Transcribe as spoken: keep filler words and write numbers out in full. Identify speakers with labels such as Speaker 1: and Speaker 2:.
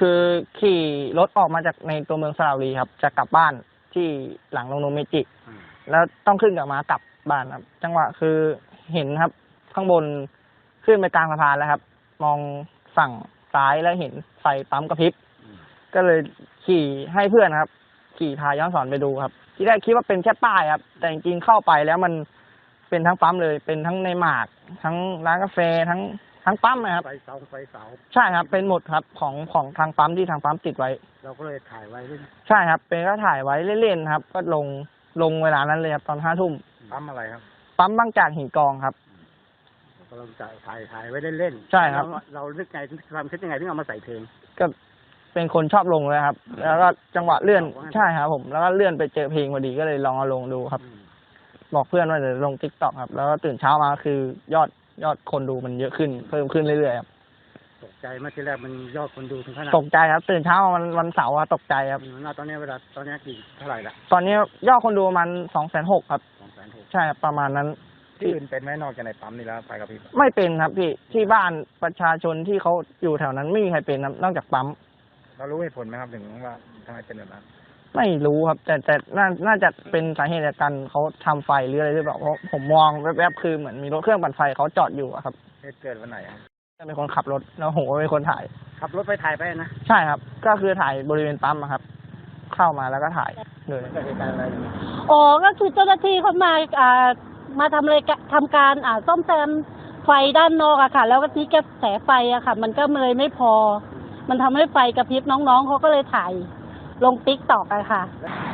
Speaker 1: คือขี่รถออกมาจากในตัวเมืองสระบุรีครับจะกลับบ้านที่หลังโรงนมเมจิแล้วต้องขึ้นกับม้ากลับบ้านครับจังหวะคือเห็นครับข้างบนขึ้นไปกลางสะพานแล้วครับมองฝั่งซ้ายแล้วเห็นไฟปั๊มกระพริบก็เลยขี่ให้เพื่อนครับขี่พาย้อนสอนไปดูครับที่แรกคิดว่าเป็นแค่ป้ายครับแต่จริงๆเข้าไปแล้วมันเป็นทั้งปั๊มเลยเป็นทั้งในหมากทั้งร้านกาแฟทั้งทั้งปั๊มนะครับ
Speaker 2: ไฟเสาไฟเสา
Speaker 1: ใช่ครับเป็นหมดครับของของทางปั๊มที่ทางปั๊มติดไว้
Speaker 2: เราก็เลยถ่ายไว้เล่น
Speaker 1: ใช่ครับเป็นก็ถ่ายไว้เล่นๆครับก็ลงลงเวลานั้นเลยครับตอนห้าทุ่ม
Speaker 2: ปั๊มอะไรครับ
Speaker 1: ปั๊มบางจากหินกองครับ
Speaker 2: เราจะถ่ายถ่ายไว้เล่น
Speaker 1: ๆใช่ครับ
Speaker 2: เราเลือกไงความคิดยังไงที่เอามาใส่เพลง
Speaker 1: ก็เป็นคนชอบลงเลยครับแล้วก็จังหวะเลื่อนใช่ครับผมแล้วก็เลื่อนไปเจอเพลงพอดีก็เลยลองเอาลงดูครับบอกเพื่อนว่าจะลงติ๊กต็อกครับแล้วก็ตื่นเช้ามาคือยอดยอดคนดูมันเยอะขึ้นเพิ่มขึ้นเรื่อยๆครับ
Speaker 2: ตกใจเมื่อที่แรกมันยอดคนดูถึงขนาด
Speaker 1: ตกใจครับตื่นเช้าวันวันเสาร์ตกใจครับ
Speaker 2: ตอนนี้เวลาตอนนี้กี่เท่าไหร่ละ
Speaker 1: ตอนนี้ยอดคนดูมันสองแสนหกครับ
Speaker 2: สองแสนหก
Speaker 1: ใช่ครับประมาณนั้น
Speaker 2: ที่อื่นเป็นไหมนอกจากในปั๊มนี่แล้วไฟกระพริบ
Speaker 1: ไม่เป็นครับพี่ที่บ้านประชาชนที่เขาอยู่แถวนั้นไม่มีใครเป็นนอกจากปั๊ม
Speaker 2: เรารู้เหตุผลไหมครับถึงว่าทำไมเป็นแบบนั้น
Speaker 1: ไม่รู้ครับแต่แต่น่าน่าจะเป็นสาเหตุจากการเขาทำไฟหรืออะไรหรือเปล่าเพราะผมมองแวบๆคือเหมือนมีรถเครื่องปั่นไฟเขาจอดอยู่ครับ
Speaker 2: เหตุเกิดวันไหนครับ
Speaker 1: จะเป็นคนขับรถแล้วผมก็เป็นคนถ่าย
Speaker 2: ขับรถไปถ่ายไปนะ
Speaker 1: ใช่ครับก็คือถ่ายบริเวณปั๊มครับเข้ามาแล้วก็ถ่ายเลย
Speaker 2: เกิดเหตุการณ์อะไร
Speaker 3: อ๋อก็คือเจ้าหน้าที่เขามาอ่ามาทำอะไรทำการอ่าซ่อมแซมไฟด้านนอกอะค่ะแล้วก็ที่กระแสไฟอะค่ะมันก็เลยไม่พอมันทำให้ไฟกระพริบน้องๆเขาก็เลยถ่ายลงติ๊กต็อกอะค่ะ